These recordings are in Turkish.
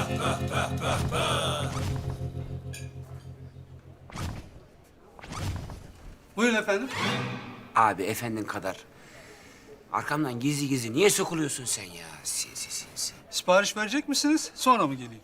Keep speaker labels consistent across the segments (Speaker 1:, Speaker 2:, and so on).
Speaker 1: Buyurun efendim.
Speaker 2: Abi efendin kadar. Arkamdan gizli gizli niye sokuluyorsun sen ya? Sinsi.
Speaker 1: Sipariş verecek misiniz? Sonra mı geleyim?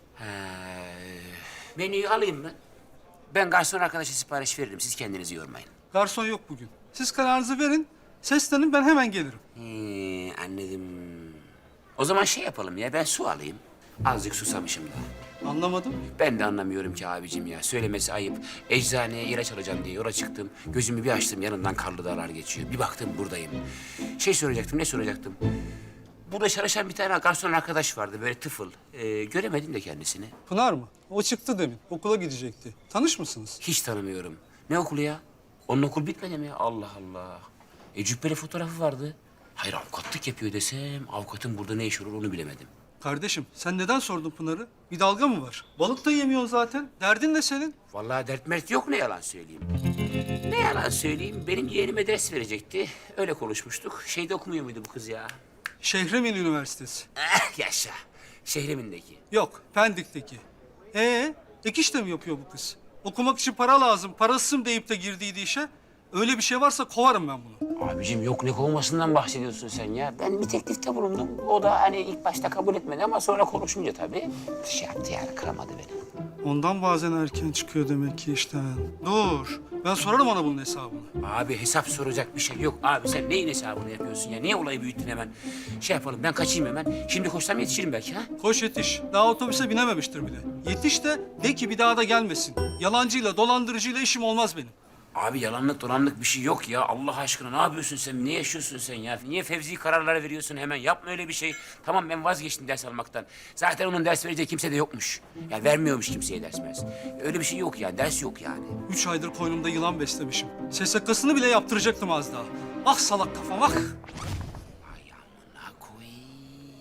Speaker 2: Menüyü alayım ben. Ben garson arkadaşa sipariş veririm. Siz kendinizi yormayın.
Speaker 1: Garson yok bugün. Siz kararınızı verin. Seslenin, ben hemen gelirim.
Speaker 2: Anladım. O zaman şey yapalım ya, ben su alayım. Azıcık susamışım da.
Speaker 1: Anlamadım.
Speaker 2: Ben de anlamıyorum ki abicim ya. Söylemesi ayıp. Eczaneye ilaç alacağım diye yola çıktım. Gözümü bir açtım, yanımdan karlı dağlar geçiyor. Bir baktım buradayım. Ne soracaktım? Burada çalışan bir tane garson arkadaş vardı, böyle tıfıl. Göremedim de kendisini.
Speaker 1: Pınar mı? O çıktı demin. Okula gidecekti. Tanış mısınız?
Speaker 2: Hiç tanımıyorum. Ne okulu ya? Onun okul bitmedi mi ya? Allah Allah. Cübbeli fotoğrafı vardı. Hayır, avukatlık yapıyor desem, avukatın burada ne işi olur onu bilemedim.
Speaker 1: Kardeşim, sen neden sordun Pınar'ı? Bir dalga mı var? Balık da yemiyor zaten. Derdin ne senin?
Speaker 2: Vallahi dert mert yok, ne yalan söyleyeyim. Ne yalan söyleyeyim, benim yeğenime ders verecekti. Öyle konuşmuştuk. Şeyde okumuyor muydu bu kız ya?
Speaker 1: Şehremin Üniversitesi.
Speaker 2: Yaşa. Şehrimindeki.
Speaker 1: Yok, Pendik'teki. Ek iş de mi yapıyor bu kız? Okumak için para lazım, parasızım deyip de girdiydi işe. Öyle bir şey varsa kovarım ben bunu.
Speaker 2: Abicim yok, ne kovmasından bahsediyorsun sen ya? Ben bir teklifte bulundum. O da hani ilk başta kabul etmedi ama sonra konuşunca tabii şey yaptı yani, kıramadı beni.
Speaker 1: Ondan bazen erken çıkıyor demek ki işten. Dur, ben sorarım ona bunun hesabını.
Speaker 2: Abi hesap soracak bir şey yok. Abi sen neyin hesabını yapıyorsun ya? Niye olayı büyüttün hemen? Şey yapalım, ben kaçayım hemen. Şimdi koşsam yetişirim belki ha?
Speaker 1: Koş yetiş, daha otobüse binememiştir bile. Yetiş de ki bir daha da gelmesin. Yalancıyla, dolandırıcıyla işim olmaz benim.
Speaker 2: Abi yalanlık dolanlık bir şey yok ya. Allah aşkına ne yapıyorsun sen? Ne yaşıyorsun sen ya? Niye fevzi kararlar veriyorsun hemen? Yapma öyle bir şey. Tamam, ben vazgeçtim ders almaktan. Zaten onun ders vereceği kimse de yokmuş. Yani vermiyormuş kimseye ders mers. Öyle bir şey yok yani. Ders yok yani.
Speaker 1: 3 aydır koynumda yılan beslemişim. SSK'sını bile yaptıracaktım az daha. Ah salak kafam, ah!
Speaker 2: Ay amına koyayım.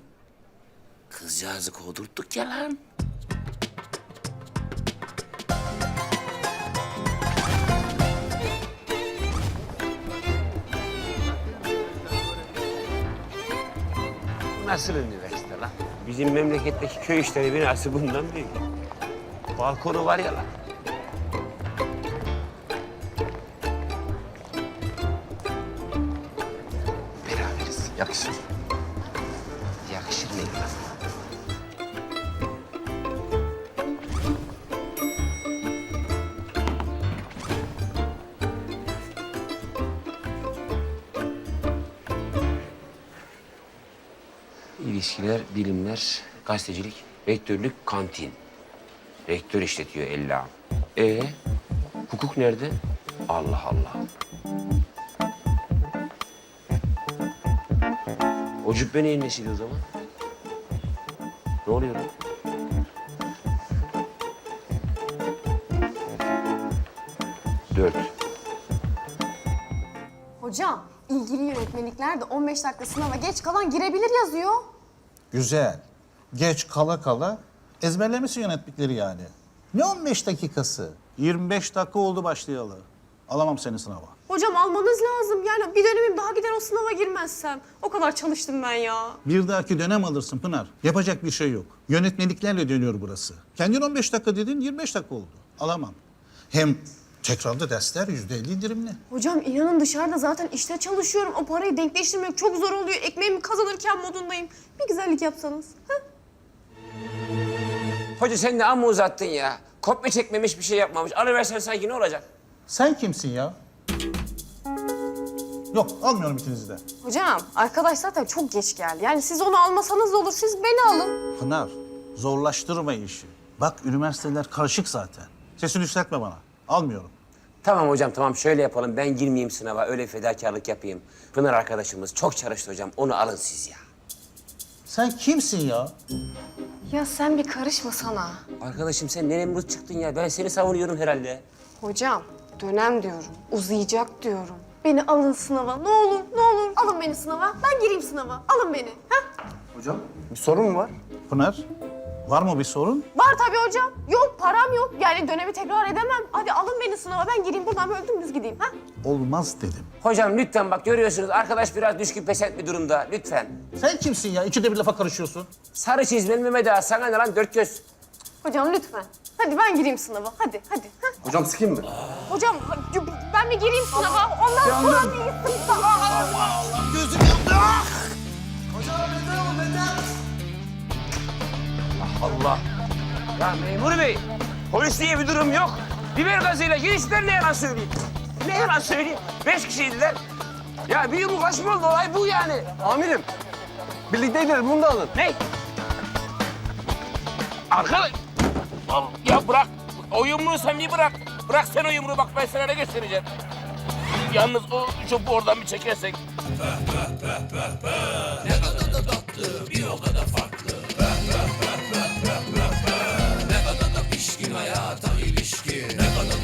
Speaker 2: Kızcağızı kovdurttuk ya lan. Nasıl üniversite lan? Bizim memleketteki köy işleri binası bundan büyük. Balkonu var ya lan. Beraberiz. Yakışır. Yakışır mı lan? İlişkiler, bilimler, gazetecilik, rektörlük, kantin. Rektör işletiyor Ella. Hukuk nerede? Allah Allah. O cübbe neyin nesiydi o zaman? Ne oluyor lan? Dört.
Speaker 3: Hocam, ilgili yönetmelikler de 15 dakika sınava geç kalan girebilir yazıyor.
Speaker 4: Güzel. Geç kala kala ezberlemişsin yönettikleri yani. Ne 15 dakikası? 25 dakika oldu başlayalı. Alamam seni sınava.
Speaker 3: Hocam almanız lazım. Yani bir dönemim daha gider o sınava girmezsem. O kadar çalıştım ben ya.
Speaker 4: Bir dahaki dönem alırsın Pınar. Yapacak bir şey yok. Yönetmeliklerle dönüyor burası. Kendin 15 dakika dedin, 25 dakika oldu. Alamam. Hem tekrarda dersler %50 indirimli.
Speaker 3: Hocam inanın dışarıda zaten işte çalışıyorum. O parayı denkleştirmek çok zor oluyor. Ekmeğimi kazanırken modundayım. Bir güzellik yapsanız. Ha?
Speaker 2: Hoca sen de amma uzattın ya. Kopya çekmemiş, bir şey yapmamış. Alıversen sanki ne olacak?
Speaker 4: Sen kimsin ya? Yok, almıyorum ikinizi de.
Speaker 3: Hocam arkadaş zaten çok geç geldi. Yani siz onu almasanız da olur. Siz beni alın.
Speaker 4: Pınar, zorlaştırma işi. Bak üniversiteler karışık zaten. Sesini yükseltme bana. Almıyorum.
Speaker 2: Tamam hocam, tamam, şöyle yapalım. Ben girmeyeyim sınava, öyle fedakarlık yapayım. Pınar arkadaşımız çok çalıştı hocam. Onu alın siz ya.
Speaker 4: Sen kimsin ya?
Speaker 3: Ya sen bir karışma sana.
Speaker 2: Arkadaşım sen ne Nemrut çıktın ya? Ben seni savunuyorum herhalde.
Speaker 3: Hocam dönem diyorum. Uzayacak diyorum. Beni alın sınava. Ne olur, ne olur. Alın beni sınava. Ben gireyim sınava. Alın beni. Ha?
Speaker 5: Hocam bir sorun mu var?
Speaker 4: Pınar, Var mı bir sorun?
Speaker 3: Var tabii hocam. Yok param yok. Yani dönemi tekrar edemem. Hadi alın beni sınava ben gireyim buradan böyle dümdüz gideyim. Ha?
Speaker 4: Olmaz dedim.
Speaker 2: Hocam lütfen bak görüyorsunuz arkadaş biraz düşkün pesent bir durumda. Lütfen.
Speaker 4: Sen kimsin ya? İkide bir lafa karışıyorsun.
Speaker 2: Sarı çizmeli Mehmet Ağa sana ne lan dört göz.
Speaker 3: Hocam lütfen. Hadi ben gireyim sınava. Hadi hadi. Ha?
Speaker 5: Hocam sıkayım mı?
Speaker 3: Hocam ben bir gireyim sınava. Ondan sonra bir sınava.
Speaker 4: Gözüm yandı.
Speaker 2: Allah. Ya memur bey, polis diye bir durum yok. Biber gazıyla girişler ne yalan söyleyeyim. Ne yalan söyleyeyim. 5 kişiydiler. Ya bir yumruklaşma oldu olay bu yani.
Speaker 5: Amirim. Birlikteydiler bunu da alın.
Speaker 2: Ne? Arkadaş. Ya bırak. O yumruğu sen bir bırak. Bırak sen o yumruğu bak ben sana ne göstereceğim. Yalnız o çöpü oradan bir çekersek.
Speaker 6: pişkin hayata